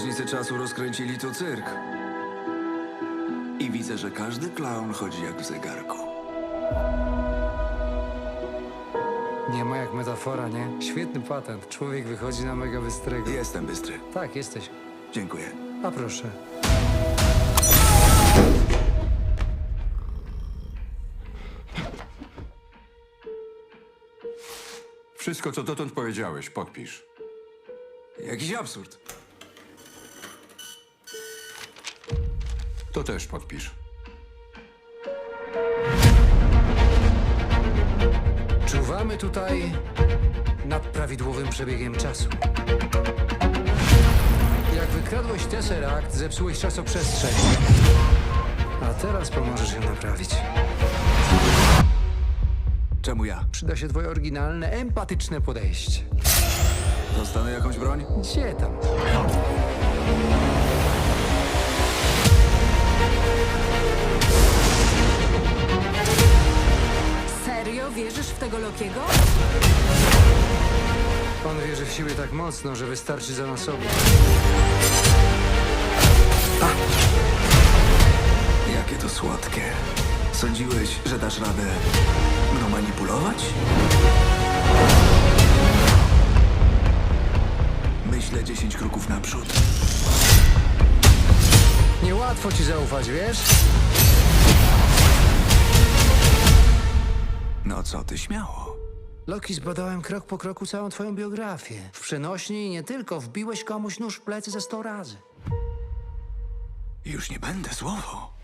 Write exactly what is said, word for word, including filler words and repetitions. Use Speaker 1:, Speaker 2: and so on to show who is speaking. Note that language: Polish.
Speaker 1: Strażnicy Czasu rozkręcili tu cyrk. I widzę, że każdy klaun chodzi jak w zegarku.
Speaker 2: Nie ma jak metafora, nie? Świetny patent. Człowiek wychodzi na mega bystrego.
Speaker 1: Jestem bystry.
Speaker 2: Tak, jesteś.
Speaker 1: Dziękuję.
Speaker 2: A proszę.
Speaker 3: Wszystko, co dotąd powiedziałeś, podpisz.
Speaker 1: Jakiś absurd.
Speaker 3: To też podpisz.
Speaker 2: Czuwamy tutaj nad prawidłowym przebiegiem czasu. Jak wykradłeś Tesseract, zepsułeś czasoprzestrzeń. A teraz pomożesz ją naprawić.
Speaker 1: Czemu ja?
Speaker 2: Przyda się twoje oryginalne, empatyczne podejście.
Speaker 1: Dostanę jakąś broń?
Speaker 2: Gdzie tam?
Speaker 4: Serio wierzysz w tego Lokiego?
Speaker 2: On wierzy w siebie tak mocno, że wystarczy za nas obu.
Speaker 1: Jakie to słodkie. Sądziłeś, że dasz radę mną manipulować? Myślę dziesięć kroków naprzód.
Speaker 2: Niełatwo ci zaufać, wiesz?
Speaker 1: No co ty, śmiało.
Speaker 2: Loki, zbadałem krok po kroku całą twoją biografię. W przenośni i nie tylko, wbiłeś komuś nóż w plecy ze sto razy.
Speaker 1: Już nie będę słowo.